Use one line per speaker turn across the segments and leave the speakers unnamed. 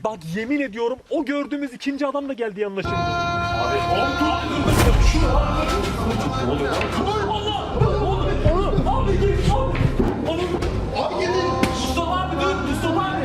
Bak yemin ediyorum o gördüğümüz ikinci adam da geldi yanına şimdi.
Abi
Ne oluyor lan? Onu abi git abi. Abi gidin. Mustafa abi dur. Mustafa abi.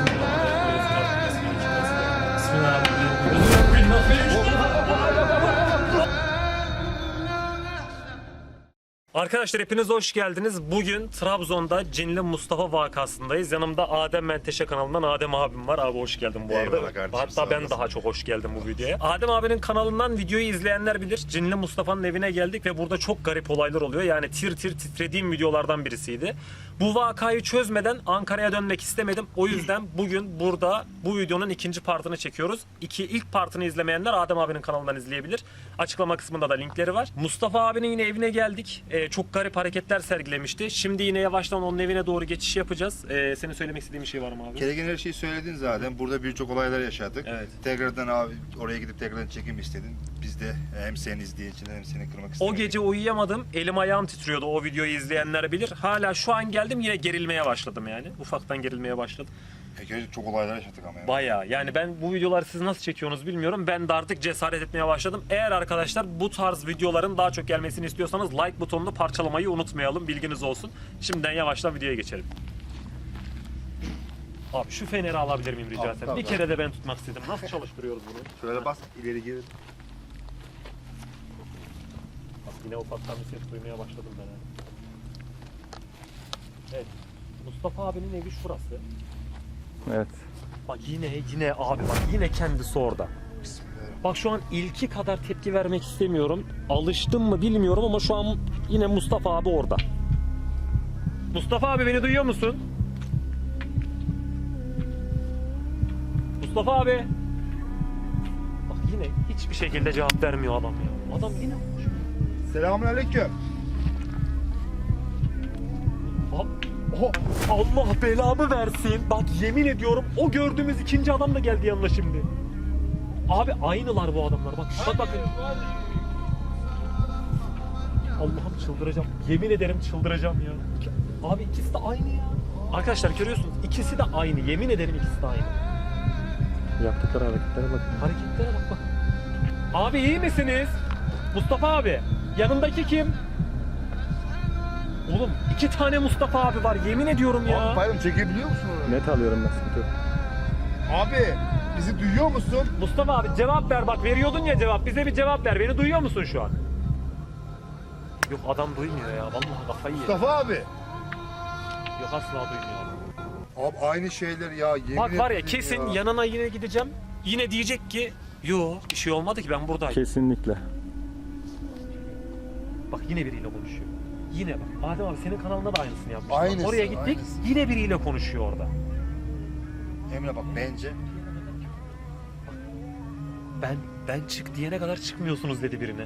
Arkadaşlar hepiniz hoş geldiniz. Bugün Trabzon'da Cinli Mustafa vakasındayız. Yanımda Adem Menteşe kanalından Adem abim var. Abi hoş geldin bu arada.
Eyvallah kardeşim,
Hatta ben daha çok hoş geldim bu videoya. Adem abinin kanalından videoyu izleyenler bilir. Cinli Mustafa'nın evine geldik ve burada çok garip olaylar oluyor. Yani tir tir titrediğim videolardan birisiydi. Bu vakayı çözmeden Ankara'ya dönmek istemedim. O yüzden bugün burada bu videonun ikinci partını çekiyoruz. İlk partını izlemeyenler Adem abinin kanalından izleyebilir. Açıklama kısmında da linkleri var. Mustafa abinin yine evine geldik. Çok garip hareketler sergilemişti. Şimdi yine yavaştan onun evine doğru geçiş yapacağız. Senin söylemek istediğin bir şey var mı abi?
gereken her şeyi söyledin zaten. Burada birçok olaylar yaşadık.
Evet.
Tekrardan abi oraya gidip tekrardan çekim istedin. Biz de hem seni izleyiciler hem seni kırmak istedik.
O gece uyuyamadım. Elim ayağım titriyordu. O videoyu izleyenler bilir. Hala şu an geldim yine gerilmeye başladım yani. Ufaktan gerilmeye başladım.
Çok olaylar yaşadık ama ya.
Bayağı. Yani ben bu videoları siz nasıl çekiyorsunuz bilmiyorum. Ben de artık cesaret etmeye başladım. Eğer arkadaşlar bu tarz videoların daha çok gelmesini istiyorsanız like butonunu parçalamayı unutmayalım. Bilginiz olsun. Şimdiden yavaştan videoya geçelim. Abi şu feneri alabilir miyim rica etsem? Bir kere de ben tutmak istedim. Nasıl çalıştırıyoruz bunu?
Şöyle bas ileri gir.
Bak yine ufaktan bir ses duymaya başladım ben. Evet. Mustafa abinin evi şurası.
Evet.
Bak yine abi bak yine kendisi orada.
Bismillahirrahmanirrahim.
Bak şu an ilki kadar tepki vermek istemiyorum. Alıştım mı bilmiyorum ama şu an yine Mustafa abi orada. Mustafa abi beni duyuyor musun? Mustafa abi. Bak yine hiçbir şekilde cevap vermiyor adam ya. Adam yine
Selamünaleyküm.
Allah belamı versin. Bak yemin ediyorum o gördüğümüz ikinci adam da geldi yanına şimdi. Abi aynılar bu adamlar. Bak bakın. Allah'ım çıldıracağım. Yemin ederim çıldıracağım ya. Abi ikisi de aynı ya. Arkadaşlar görüyorsunuz ikisi de aynı. Yemin ederim ikisi de aynı.
Yaptıkları hareketlere bak.
Hareketlere bak bak. Abi iyi misiniz? Mustafa abi. Yanındaki kim? Oğlum 2 tane Mustafa abi var yemin ediyorum ya.
Abi pardon çekebiliyor musun orayı?
Net alıyorum ben, sıkıntı yok.
Abi bizi duyuyor musun?
Mustafa abi cevap ver bak veriyordun ya cevap bize bir cevap ver beni duyuyor musun şu an? Yok adam duymuyor ya vallahi kafayı yedi.
Mustafa abi.
Yok asla duymuyor.
Abi aynı şeyler ya. Yemin
Bak var ya
ederim
kesin
ya.
yanına yine gideceğim yine diyecek ki yo bir şey olmadı ki ben buradayım.
Kesinlikle.
Bak yine biriyle konuşuyor. Yine bak Adem abi senin kanalında da aynısını yapmış. Bak,
Aynısı,
oraya gittik
aynısı.
yine biriyle konuşuyor orada.
Emre bak bence
Ben çık diyene kadar çıkmıyorsunuz dedi birine.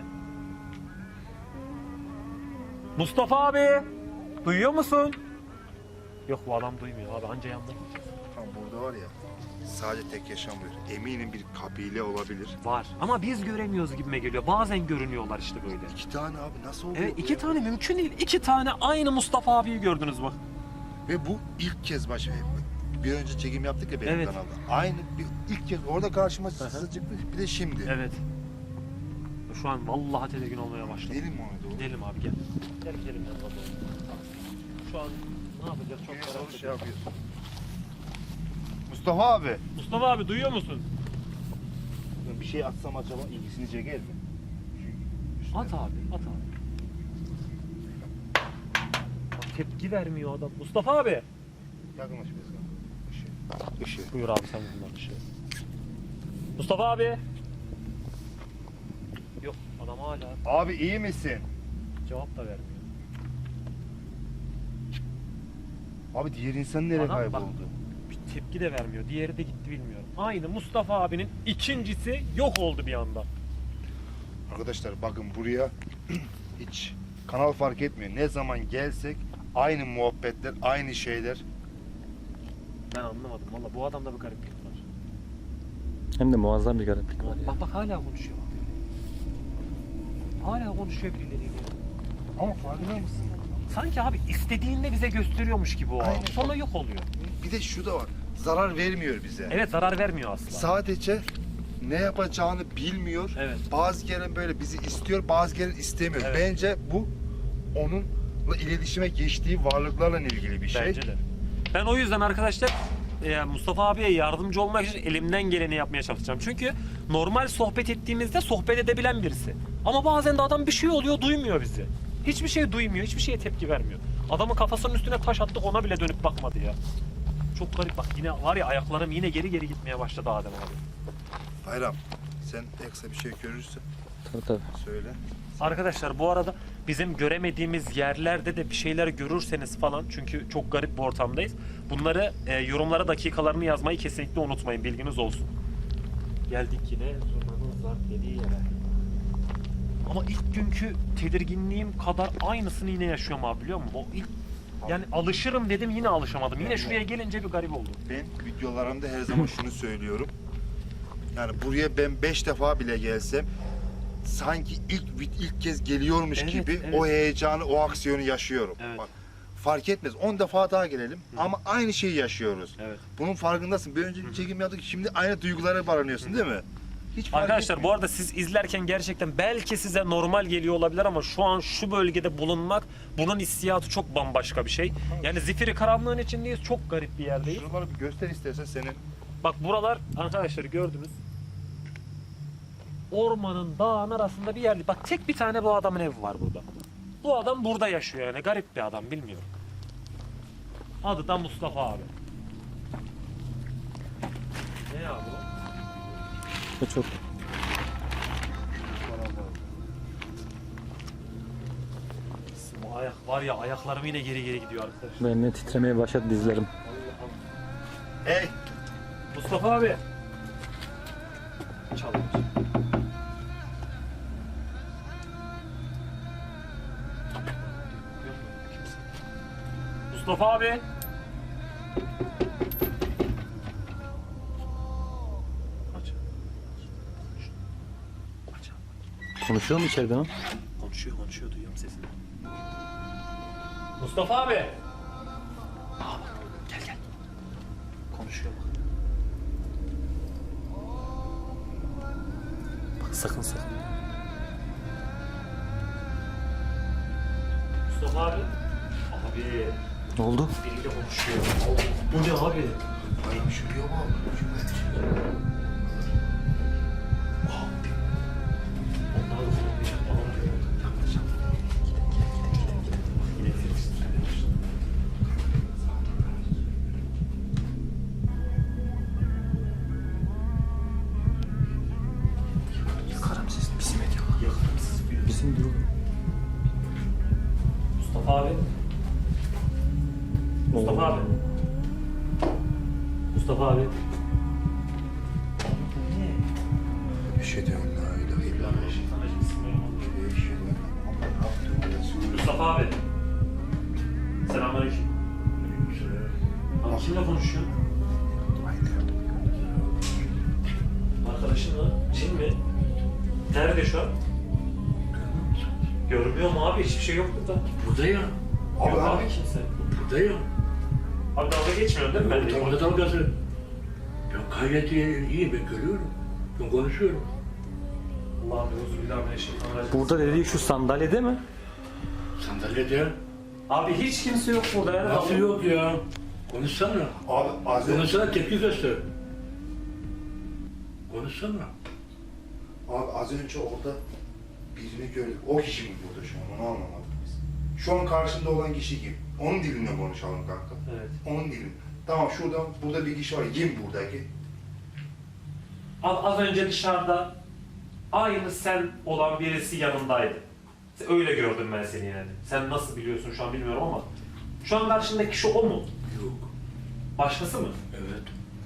Mustafa abi duyuyor musun? Yok bu adam duymuyor abi anca yandı.
tam burada var ya sadece tek yaşamıyor. Eminim bir kabile olabilir.
Var ama biz göremiyoruz gibime geliyor. Bazen görünüyorlar işte böyle.
2 tane abi nasıl oluyor?
Evet
bu
2
ya?
tane mümkün değil. 2 tane aynı Mustafa abiyi gördünüz bak.
Ve bu ilk kez bir önce çekim yaptık ya benim
Evet.
kanalda. Aynı ilk kez orada karşıma çıktı bir de şimdi.
Evet. Şu an vallahi tedirgin olmaya başladım.
Gidelim mi ona doğru?
Gidelim abi gel. Gel gidelim yanına doğru. Şu an ne yapacağız çok
Yine
merak
soru şey
ediyorum.
yapıyorsun. Mustafa abi.
Mustafa abi duyuyor musun?
Bir şey atsam acaba ilgisini çeker mi?
At abi, at abi. Bak, tepki vermiyor adam. Mustafa abi.
Yakınlaş biraz. Işığı.
Buyur abi sen bunlar dışı. Mustafa abi. Yok adam hala
Abi iyi misin?
cevap da vermiyor.
Abi diğer insan nereye
Adam bak-
kayboldu?
Bir tepki de vermiyor. Diğeri de gitti bilmiyorum. Aynı Mustafa abinin ikincisi yok oldu bir anda.
Arkadaşlar bakın buraya hiç kanal fark etmiyor. Ne zaman gelsek aynı muhabbetler, aynı şeyler.
Ben anlamadım valla bu adamda bir gariplik var.
Hem de muazzam bir gariplik var ya.
Bak bak hala konuşuyor. Hala konuşuyor birileriyle.
Ama farkında mısın?
Sanki abi istediğinde bize gösteriyormuş gibi o.
Aynen.
Sonra yok oluyor.
Bir de şu da var. zarar vermiyor bize.
Evet, zarar vermiyor aslında.
Sadece ne yapacağını bilmiyor.
Evet.
Bazı kere böyle bizi istiyor, bazı kere istemiyor.
Evet.
Bence bu onunla iletişime geçtiği varlıklarla ilgili bir şey.
Bence de. Ben o yüzden arkadaşlar Mustafa abiye yardımcı olmak için elimden geleni yapmaya çalışacağım. Çünkü normal sohbet ettiğimizde sohbet edebilen birisi. Ama bazen de adam bir şey oluyor, duymuyor bizi. Hiçbir şey duymuyor, hiçbir şeye tepki vermiyor. Adamın kafasının üstüne taş attık, ona bile dönüp bakmadı ya. Çok garip bak, yine var ya, ayaklarım yine geri geri gitmeye başladı Adem abi.
Bayram, sen eksa bir şey görürsen
Tabii.
söyle.
Arkadaşlar bu arada bizim göremediğimiz yerlerde de bir şeyler görürseniz falan, çünkü çok garip bir ortamdayız. Bunları yorumlara dakikalarını yazmayı kesinlikle unutmayın, bilginiz olsun. Geldik yine zurnanın zarf dediği yere. Ama ilk günkü tedirginliğim kadar aynısını yine yaşıyorum abi, biliyor musun? O ilk, yani alışırım dedim, yine alışamadım. Yine şuraya gelince bir garip oldu.
Ben videolarımda her zaman şunu söylüyorum. Yani buraya ben 5 defa bile gelsem sanki ilk kez geliyormuş
Evet,
gibi
evet.
o heyecanı, o aksiyonu yaşıyorum.
Evet.
Bak, fark etmez. 10 defa daha gelelim ama aynı şeyi yaşıyoruz.
Evet.
Bunun farkındasın. Bir önce çekim yaptık. Şimdi aynı duygulara varanıyorsun değil mi? Hiç fark
Arkadaşlar bu
etmiyor.
arada siz izlerken gerçekten belki size normal geliyor olabilir ama şu an şu bölgede bulunmak, bunun hissiyatı çok bambaşka bir şey. Yani zifiri karanlığın içindeyiz, çok garip bir yerdeyiz.
Şuraları bir göster istersen senin.
Bak buralar arkadaşlar, gördünüz. Ormanın, dağın arasında bir yerde. Bak tek bir tane bu adamın evi var burada. Bu adam burada yaşıyor yani, garip bir adam, bilmiyorum. Adı da Mustafa abi. Ne abi o?
Bu çok.
Bu ayak var ya, ayaklarım yine geri geri gidiyor arkadaşlar.
Benim de titremeye başladı dizlerim.
Hey!
Mustafa abi. Çalıyor. Mustafa abi. Aç. Aç.
Konuşuyor mu içeriden o?
Konuşuyor, duyuyorum sesini. Mustafa abi. Aa bak, gel. Konuşuyor bak. Bak sakın. Mustafa abi. Abi.
Ne oldu?
Biriyle konuşuyor. Bu ne abi?
Ay şuraya bak.
Onlar da konuşacak falan diyor. Yine ses titremeye başladı.
Yakarım sesini. Bizim ediyorlar.
Yakarım siz bir.
Bizim diyor.
Mustafa abi. Mustafa abi. Mustafa abi.
Bir şey diyorum la ilahe illallah. Bir şey diyorum. Ama ne yaptın?
Mustafa abi. Selamünaleyküm. Abi kimle konuşuyorsun? Arkadaşın mı? Cin mi? Nerede şu an? Görmüyor mu abi? Hiçbir şey yok burada.
Burada ya.
Yok abi kimse.
Burada ya.
Abi dalga geçmiyorsun değil mi benimle?
Orada dalgası. Ben gayet iyi, ben görüyorum. Ben konuşuyorum.
Allah'ım euzubillahimineşşeytanirracim.
Burada dediği şu sandalyede mi?
Sandalyede.
Abi hiç kimse yok burada ya.
Nasıl yok ya? Konuşsana.
Abi az önce,
Konuşsana, tepki göster. Konuşsana.
abi az önce orada birini gördük. O kişi mi burada şu an? Onu anlamadık biz. Şu an karşında olan kişi kim? Onun dilinde konuşalım kanka.
Evet.
Onun dilinde. Tamam burada bir kişi var. Kim buradaki?
Az önce dışarıda aynı sen olan birisi yanındaydı. Öyle gördüm ben seni yani. Sen nasıl biliyorsun şu an bilmiyorum ama. Şu an karşındaki kişi o mu?
Yok.
Başkası mı?
Evet.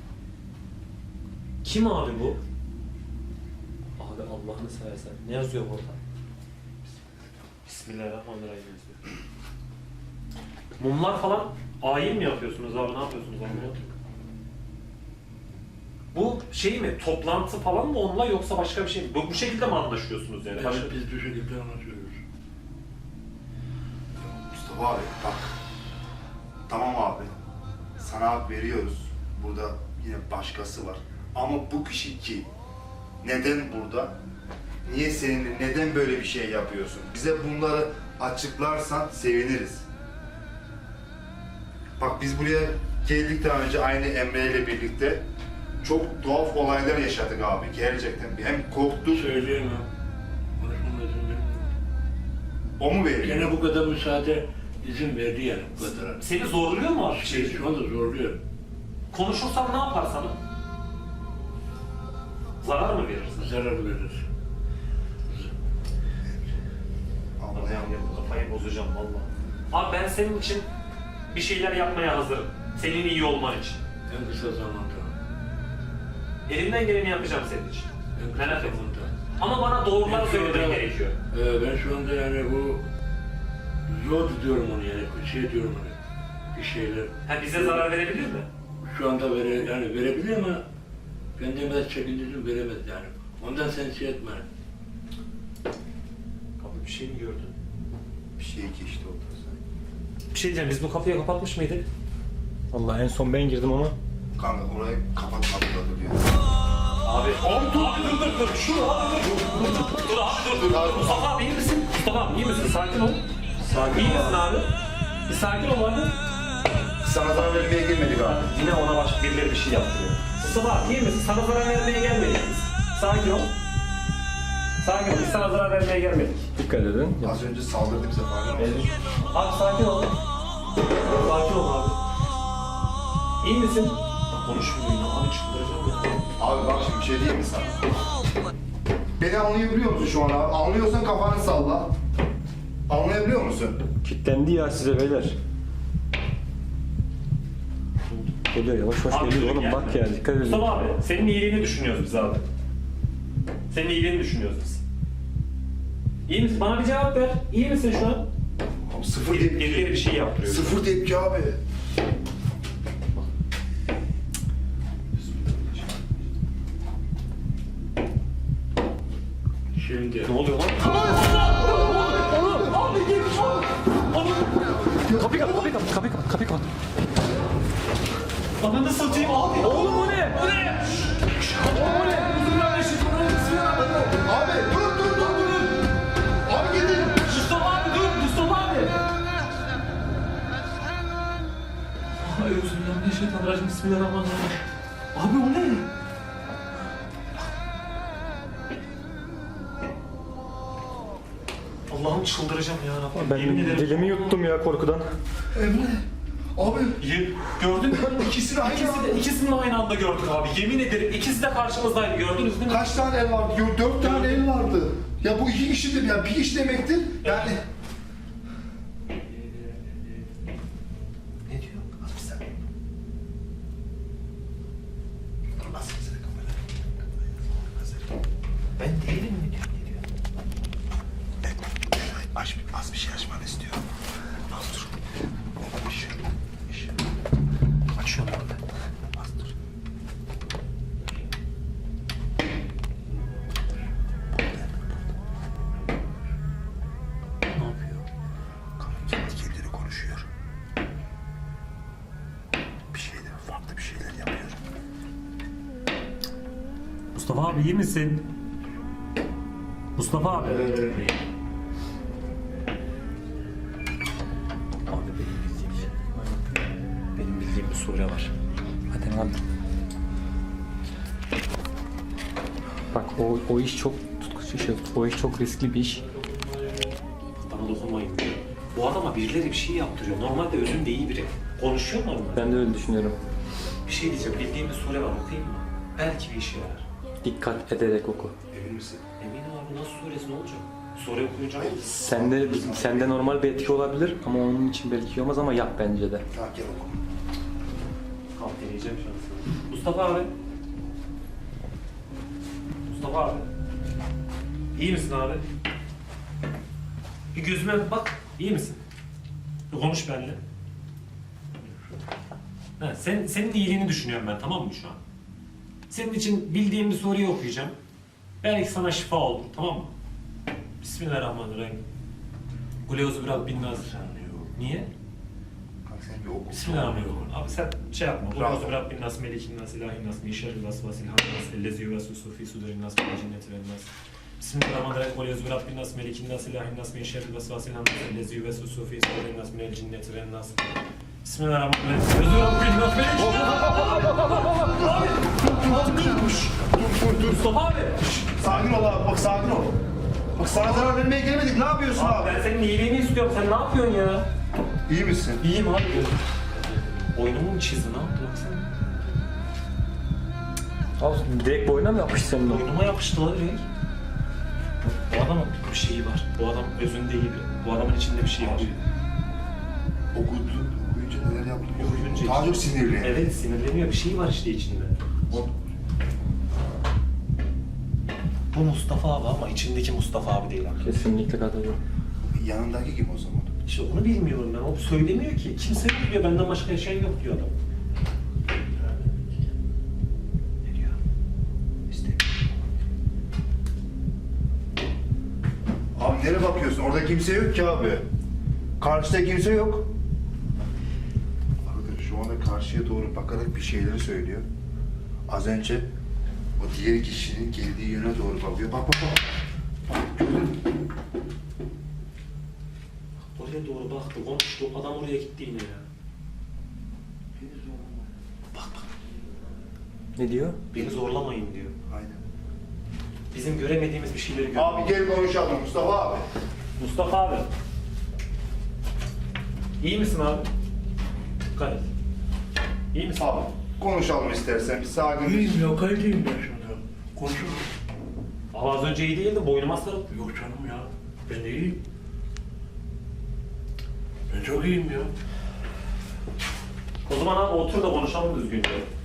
Kim abi bu? Abi Allah'ını seversen. Ne yazıyor burada? Bismillahirrahmanirrahim yazıyor. Mumlar falan ayin mi yapıyorsunuz abi? Ne yapıyorsunuz abi? Bu şey mi? Toplantı falan mı onunla yoksa başka bir şey mi? Bu şekilde mi anlaşıyorsunuz yani? Başka...
Evet, biz bu şekilde anlaşıyoruz.
Mustafa abi bak. Tamam abi. Sana hak veriyoruz. burada yine başkası var. Ama bu kişi kim? Neden burada? Niye seninle, neden böyle bir şey yapıyorsun? Bize bunları açıklarsan seviniriz. Bak biz buraya geldikten önce aynı Emre ile birlikte çok tuhaf olaylar yaşadık abi. Gerçekten hem korktuk.
Söyleyemem. Konuşmama izin vermiyor.
O mu veriyor?
Gene bu kadar müsaade izin verdi yani bu kadar.
Seni zorluyor mu abi?
Şu anda zorluyor.
Konuşursam ne yapar sana? Zarar mı verirsin?
Zarar verir.
Anlayamıyorum.
Kafayı bozacağım valla. Abi ben senin için bir şeyler yapmaya hazırım. Senin iyi olman için.
En kısa zamanda.
Elimden geleni yapacağım senin için.
En kısa
Merak etme.
zamanda.
Ama bana doğruları
Ben şu
söylemen
anda-
gerekiyor.
Ben şu anda yani bu zor tutuyorum onu yani şey diyorum onu. Bir şeyler.
Ha bize zarar verebilir mi?
Şu anda yani verebilir ama kendime de çekindirdim veremez yani. Ondan sen şey etme.
Abi bir şey mi gördün?
Bir şey geçti orada.
Bir şey diyeceğim, biz bu kapıyı kapatmış mıydık?
Vallahi en son ben girdim ama.
Kanka orayı kapatmadılar duruyor.
Abi, dur. Şu abi dur abi. Mustafa abi iyi misin? Mustafa abi iyi misin? Sakin ol. İyi misin abi? Bir sakin ol abi.
Sana zarar vermeye gelmedik abi.
Yine ona başka birileri bir şey yaptırıyor. Mustafa abi iyi misin? Sana zarar vermeye gelmedik biz. Sakin ol. Sakin ol. Biz sana zarar vermeye gelmedik.
Dikkat edin.
Az önce saldırdı bize farkında mısın?
Abi sakin ol. Sakin ol abi. İyi misin? Konuşmuyor ya. Abi çıldıracağım ya.
Abi bak şimdi bir şey diyeyim mi sana? Beni anlayabiliyor musun şu an abi? Anlıyorsan kafanı salla. Anlayabiliyor musun?
Kitlendi ya size beyler. Geliyor yavaş yavaş
Abi,
geliyor oğlum
gelme.
bak ya dikkat edin.
Mustafa abi, senin iyiliğini düşünüyoruz biz abi. Senin iyiliğini düşünüyoruz biz. İyi misin? Bana bir cevap ver. İyi misin şu an?
Abi sıfır tepki.
Birileri bir şey yaptırıyor.
Sıfır tepki abi.
Şimdi.
Ne oluyor lan?
Kapıyı kapat.
Ananı satayım abi.
Oğlum o ne?
Bu ne?
Abi dur. Abi gidin.
Mustafa abi dur. Mustafa abi. Ay Euzubillahimineşşeytanirracim. Bismillahirrahmanirrahim. Abi o ne? Allah'ım çıldıracağım ya.
Ben
Yemin ederim.
dilimi yuttum ya korkudan.
Emre. Abi
Gördün mü?
ikisini aynı anda.
İkisini de aynı anda gördük abi. Yemin ederim ikisi de karşımızdaydı. Gördünüz değil mi?
Kaç tane el vardı? Yo, 4 tane el vardı. Ya bu 2 kişidir ya. Bir iş demektir. Yani... Ne diyor? Az bir saniye. Nasıl size kamera? Ben değilim mi diyor? Ne diyor? Az bir şey açmanı istiyorum. Az dur. Açıyorum orada. Az dur.
Ne yapıyor?
Kendi kendine konuşuyor. Bir şeyler, farklı bir şeyler yapıyor.
Mustafa abi iyi misin? Mustafa abi. Abi benim bildiğim bir sure var.
Hadi lan. Bak o iş çok o iş çok riskli bir iş.
Bana dokunmayın diyor. Bu adama birileri bir şey yaptırıyor. Normalde özünde iyi biri. Konuşuyor mu onunla?
Ben de öyle düşünüyorum.
Bir şey diyeceğim. Bildiğim bir sure var. Okuyayım mı? Belki bir işe yarar.
Dikkat ederek oku.
Emin misin?
Eminim abi nasıl suresi ne olacak? Sure okuyunca ne olur?
Sende normal bir etki olabilir ama onun için belki olmaz ama yap bence de.
Tamam gel oku.
Kalk deneyeceğim şansını. Mustafa abi. Mustafa abi. İyi misin abi? Bir gözüme bak. İyi misin? Bir konuş benimle. Ha, senin iyiliğini düşünüyorum ben, tamam mı şu an? Senin için bildiğim bir soruyu okuyacağım. Belki sana şifa olur, tamam mı? Bismillahirrahmanirrahim. Kuleozu biraz bin nazır. Niye?
Kanka sen bir oku.
Bismillahirrahmanirrahim. Abi sen şey yapma.
Rahat
Kuzu
ol.
Rabbin nas, melikin nas, ilahin nas, min şerril vasvasil hannas, ellezi yuvesvisu fi sudurin nas, minel cinneti ven nas. Bismillahirrahmanirrahim. Kul yuzu Rabbin nas, melikin nas, ilahin nas, min şerril vasvasil hannas, ellezi yuvesvisu fi sudurin nas, minel cinneti ven nas. Bismillahirrahmanirrahim. Yuzu Rabbin nas, melikin nas.
Dur.
Mustafa abi.
Sakin ol abi, bak sakin ol. Bak sana zarar vermeye gelmedik, ne yapıyorsun abi?
Ben senin iyiliğini istiyorum. Sen ne yapıyorsun ya?
İyi misin?
İyiyim abi. Boynumu mu çizdin? Ne yaptın lan sen?
Abi direkt boyuna mı yapıştı senin o?
Boynuma yapıştı lan direkt. Bu adamın bir şeyi var. Bu adam özünde iyi biri. Bu adamın içinde bir şey var.
Okuyunca neler yaptın?
Okuyunca
Daha çok sinirli.
Evet, sinirleniyor. Bir şey var işte içinde. Bu Mustafa abi ama içindeki Mustafa abi değil abi.
Kesinlikle katılıyorum.
Yanındaki kim o zaman?
İşte onu bilmiyorum ben. O söylemiyor ki. Kimse yok diyor. Benden başka yaşayan yok diyor adam. Ne diyor?
Abi nereye bakıyorsun? Orada kimse yok ki abi. Karşıda kimse yok. Arkadaş şu anda karşıya doğru bakarak bir şeyleri söylüyor. Az önce o diğer kişinin geldiği yöne doğru bakıyor. Bak.
Oraya doğru baktı, konuştu. Adam oraya gitti yine ya. Bak.
Ne diyor?
Beni zorlamayın diyor.
Aynen.
Bizim göremediğimiz bir şeyleri görüyor.
Abi gel konuşalım Mustafa abi.
Mustafa abi. İyi misin abi? Dikkat et. İyi misin?
Abi konuşalım istersen bir sakin.
İyiyim ya, kayıtlıyım ben şurada. Konuşurum.
Abi az önce iyi değildi, boynuma sarıldı.
Yok canım ya, ben de iyiyim. Ben çok iyiyim ya.
O zaman abi otur da konuşalım düzgünce.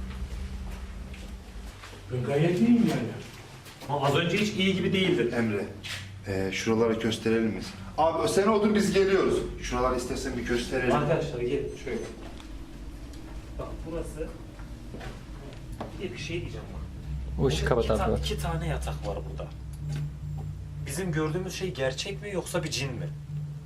Ben gayet iyiyim yani.
Ama az önce hiç iyi gibi değildi.
Emre, şuraları gösterelim mi? Abi sen otur biz geliyoruz. Şuraları istersen bir gösterelim.
Arkadaşlar gelin şöyle. Bak burası. Bir de bir şey diyeceğim bak.
O ışığı kapat abi.
İki tane yatak var burada. Bizim gördüğümüz şey gerçek mi yoksa bir cin mi?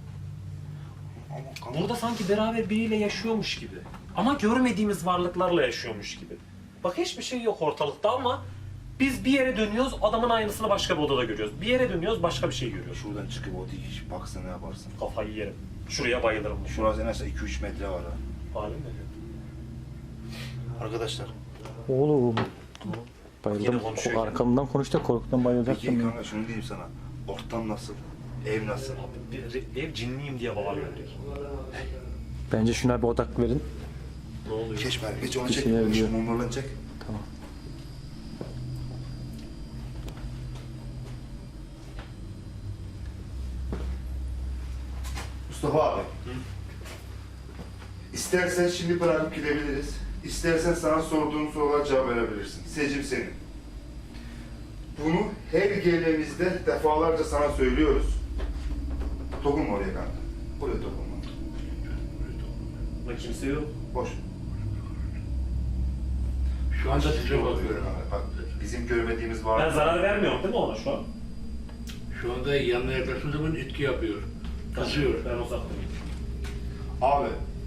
Burada sanki beraber biriyle yaşıyormuş gibi. Ama görmediğimiz varlıklarla yaşıyormuş gibi. Bak hiçbir şey yok ortalıkta ama biz bir yere dönüyoruz, adamın aynısını başka bir odada görüyoruz. Bir yere dönüyoruz, başka bir şey görüyoruz.
Şuradan çıkıp o dikiş baksa ne yaparsın?
Kafayı yerim. Şuraya bayılırım.
Şurası en az 2-3 metre var ha.
Halim ne diyor?
Oğlum.
Yine
Bayıldım.
konuşuyor yine.
Arkamdan konuştu, korkudan
Peki
bayılacaktım ya.
kanka şunu diyeyim sana. Ortam nasıl? Ev nasıl?
Abi bir ev cinliyim diye bağırıyor direkt.
Bence şuna bir odak verin.
Ne oluyor?
Geç bari, geç onu
Bir
çek.
şeyler diyor.
Şu mumlarını çek.
Tamam.
Mustafa abi. İstersen şimdi bırakıp gidebiliriz. İstersen sana sorduğum sorulara cevap verebilirsin. Seçim senin. Bunu her geldiğimizde defalarca sana söylüyoruz. Dokunma oraya kanka. Buraya dokunma.
Burada kimse yok.
Boş.
Şu anda size bakıyorum.
Bak, bizim görmediğimiz var.
Ben zarar vermiyorum değil mi ona şu an?
Şu anda yanına yaklaştığım zaman etki yapıyor. Kızıyor.
Ben uzaktayım.
Abi,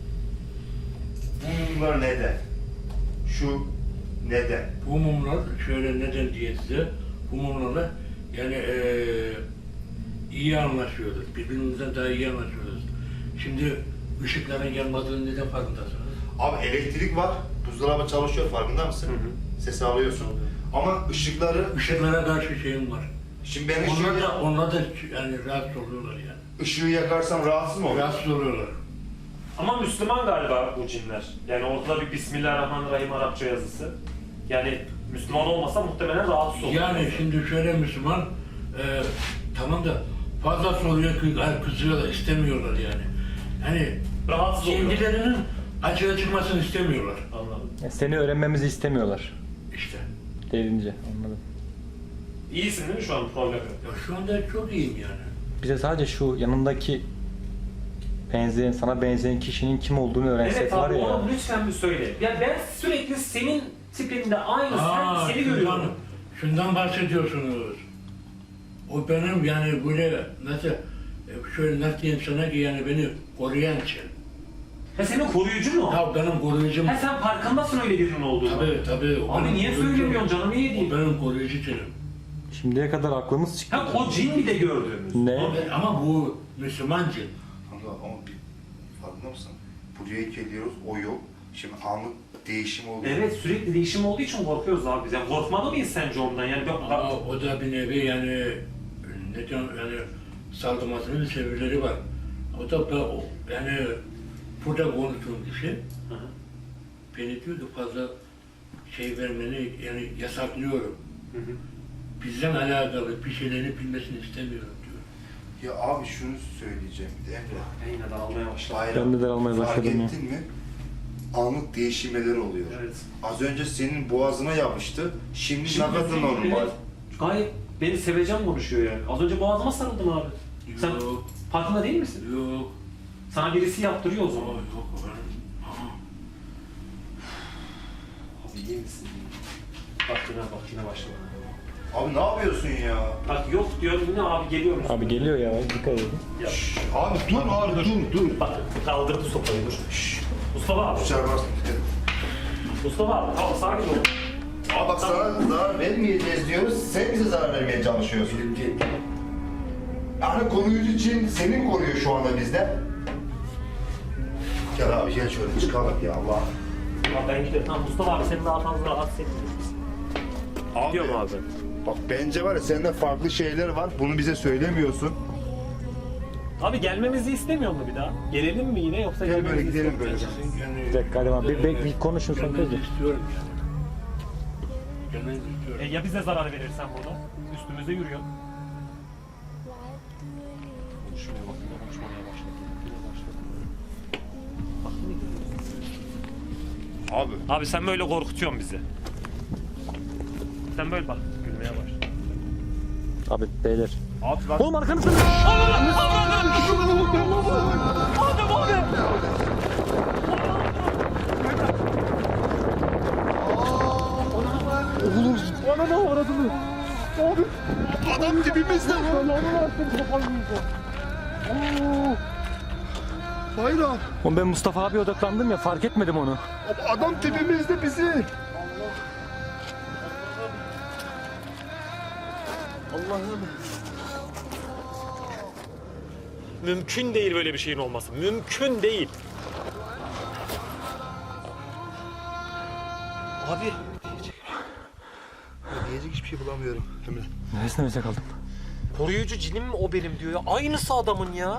bunlar neden? Şu neden?
Bu mumlar şöyle neden diye size, bu mumlarla yani iyi anlaşıyoruz. Birbirimizden daha iyi anlaşıyoruz. Şimdi ışıkların yanmadığını neden farkındasınız?
Abi elektrik var, buzdolabı çalışıyor farkında mısın? Sesi alıyorsun. Ama ışıkları...
Işıklara karşı şeyim var.
Şimdi ben
Onlar da yani rahatsız oluyorlar yani.
ışığı yakarsam rahatsız mı olur?
Rahatsız oluyorlar.
Ama Müslüman galiba bu cinler. Yani ortada bir Bismillahirrahmanirrahim Arapça yazısı. Yani Müslüman olmasa muhtemelen rahatsız olur.
Yani şimdi şöyle Müslüman, tamam da fazla soruyor, kızıyorlar, istemiyorlar yani. Hani
Rahatsız oluyor.
kendilerinin açığa çıkmasını istemiyorlar.
Anladım.
Seni öğrenmemizi istemiyorlar.
İşte.
Derince anladım.
İyisin değil mi şu an, problem yok?
Ya şu anda çok iyiyim yani.
Bize sadece şu yanındaki sana benzeyen kişinin kim olduğunu öğrensek
Evet
var
abi
ya.
onu lütfen bir söyle. Ya ben sürekli senin tipinde aynı seni görüyorum.
Şundan bahsediyorsunuz. O benim yani böyle nasıl şöyle nasıl diyeyim sana ki yani beni koruyan şey.
Ha senin koruyucu mu?
Ya benim koruyucum.
Ha sen farkındasın öyle birinin olduğunu.
Tabii. o
Abi
benim
niye
koruyucum.
söylemiyorsun canım, niye
O
değil?
benim koruyucu cinim.
Şimdiye kadar aklımız çıktı.
Ha o cin bir de gördüğümüz.
Ne?
Ama bu Müslüman cin.
Kanka ama bir farkında mısın? Buraya geliyoruz, o yok. Şimdi anlık değişim oluyor.
Evet, sürekli değişim olduğu için korkuyoruz abi biz. Yani korkmalı mıyız sence ondan? Yani
Ama o da bir nevi yani ne diyorum yani saldırmasının bir sebepleri var. O da yani burada konuştuğum kişi
Hı hı.
beni diyor ki fazla şey vermeni yani yasaklıyorum.
Hı hı.
Bizden alakalı bir şeyleri bilmesini istemiyorum diyor.
Ya abi şunu söyleyeceğim bir de Emre.
Ben yine daralmaya başladım.
Bayram,
Ben de daralmaya başladım ya.
fark ettin mi? Anlık değişimler oluyor.
Evet.
Az önce senin boğazına yapıştı. Şimdi ne kadar normal.
Evet, gayet beni seveceğim konuşuyor yani. Az önce boğazıma sarıldım abi. Sen
Yok,
farkında değil misin?
yok,
Sana birisi yaptırıyor o zaman.
yok.
Abi iyi misin? Bak yine başladı.
Abi ne yapıyorsun ya?
Bak yok diyorum yine abi geliyorum.
Abi geliyor ya, dikkat edin.
Ya.
Abi dur abi dur.
Bak kaldırdı sopayı dur. Mustafa abi.
Dışarı bas.
Mustafa abi tamam sakin ol.
Abi bak sana zarar vermeyeceğiz diyoruz. Sen bize zarar vermeye çalışıyorsun. Yani koruyucu için senin koruyor şu anda bizde. Gel abi gel şöyle çıkalım ya Allah.
Abi ben gidiyorum. Tamam Mustafa abi seni daha fazla rahatsız etmeyeceğiz. Gidiyorum abi.
Bak bence var ya sende farklı şeyler var. Bunu bize söylemiyorsun.
Abi gelmemizi istemiyor mu bir daha? Gelelim mi yine yoksa
Gel
gelmemizi
böyle gidelim
istemiyor
böyle.
musun?
Yani,
Bir dakika hadi abi, bir konuşun sen
gelmenizi
kızım.
istiyorum yani. Gelmenizi istiyorum.
Ya bize zarar verirsen burada? Üstümüze yürüyor. Konuşmaya bak, yine konuşmaya başladı. Bak yine gülüyorsun.
Abi.
Abi sen böyle korkutuyorsun bizi. Sen böyle bak, gülmeye başla.
Abi beyler.
Abi bak.
Oğlum arkanızda.
Adam dibimizde. Bayram.
Oğlum ben Mustafa abiye odaklandım ya, fark etmedim onu.
Adam dibimizde bizi. Allah'ım.
Mümkün değil böyle bir şeyin olması. Mümkün değil. Abi.
Diyecek hiçbir şey bulamıyorum. Emre.
Nefes kaldım.
Koruyucu cinim mi o benim diyor ya. Aynısı adamın ya.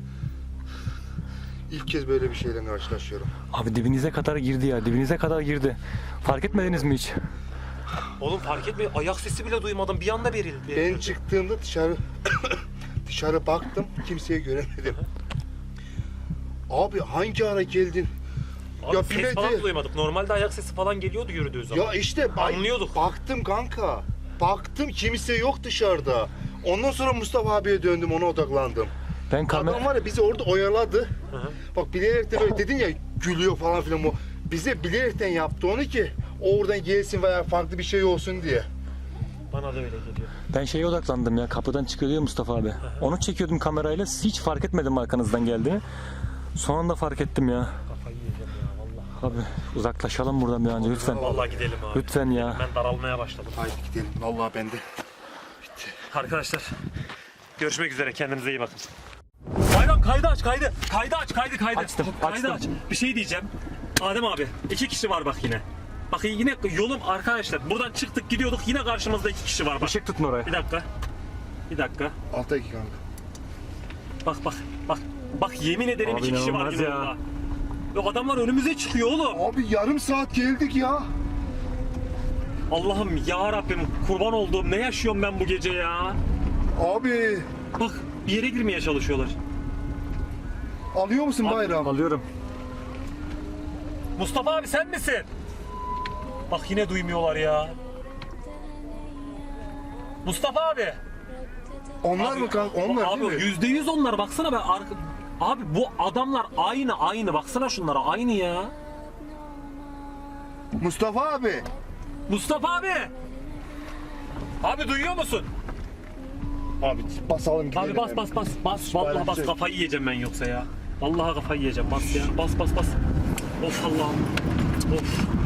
İlk kez böyle bir şeyle karşılaşıyorum.
Abi dibinize kadar girdi ya, dibinize kadar girdi. Fark etmediniz mi hiç?
Oğlum fark etmiyor. Ayak sesi bile duymadım. Bir anda verildi.
Ben çıktığımda dışarı baktım, kimseyi göremedim. Abi hangi ara geldin?
Abi
ya
ses
bileti-
falan da duymadık. Normalde ayak sesi falan geliyordu yürüdüğü zaman.
Ya işte
Anlıyorduk.
baktım kanka. Baktım kimse yok dışarıda. Ondan sonra Mustafa abiye döndüm, ona odaklandım.
Ben
Adam var ya bizi orada oyaladı.
Hı hı.
Bak bilerek de böyle dedin ya gülüyor falan filan o. Bize bilerekten yaptı onu ki o oradan gelsin veya farklı bir şey olsun diye.
Bana da öyle geliyor.
Ben şeye odaklandım ya, kapıdan çıkıyor diyor Mustafa abi. Onu çekiyordum kamerayla, hiç fark etmedim arkanızdan geldiğini. Son anda fark ettim ya.
Kafayı yiyeceğim ya vallahi.
Abi uzaklaşalım buradan bir an önce lütfen.
Vallahi gidelim abi.
Lütfen ya.
Ben daralmaya başladım.
Haydi gidelim. Vallahi ben de.
Arkadaşlar görüşmek üzere, kendinize iyi bakın. Bayram kaydı aç kaydı. Kaydı aç kaydı.
Açtım,
Kaydı
açtım.
aç. Bir şey diyeceğim. Adem abi 2 kişi var bak yine. Bak yine yolum arkadaşlar. Buradan çıktık gidiyorduk yine karşımızda 2 kişi var bak.
Işık tutun oraya.
Bir dakika. Bir dakika.
Altta iki kanka.
Bak. Bak yemin ederim
Abi
2 kişi var
inanılmaz
yine
ya.
yolda. Ve adamlar önümüze çıkıyor oğlum.
Abi yarım saat geldik ya.
Allah'ım ya Rabbim kurban olduğum ne yaşıyorum ben bu gece ya.
Abi
Bak bir yere girmeye çalışıyorlar.
alıyor musun Bayram?
Alıyorum.
Mustafa abi sen misin? Bak yine duymuyorlar ya. Mustafa abi.
Onlar mı kanka? Onlar
Abi
değil mi?
%100 onlar baksana ben Abi bu adamlar aynı baksana şunlara aynı ya.
Mustafa abi.
Mustafa abi. Abi duyuyor musun?
Abi basalım gidelim.
Abi bas vallahi bas
İstihbaratçı.
kafayı yiyeceğim ben yoksa ya. Vallahi kafayı yiyeceğim. Bas ya. Bas bas bas. Of Allah'ım. Of.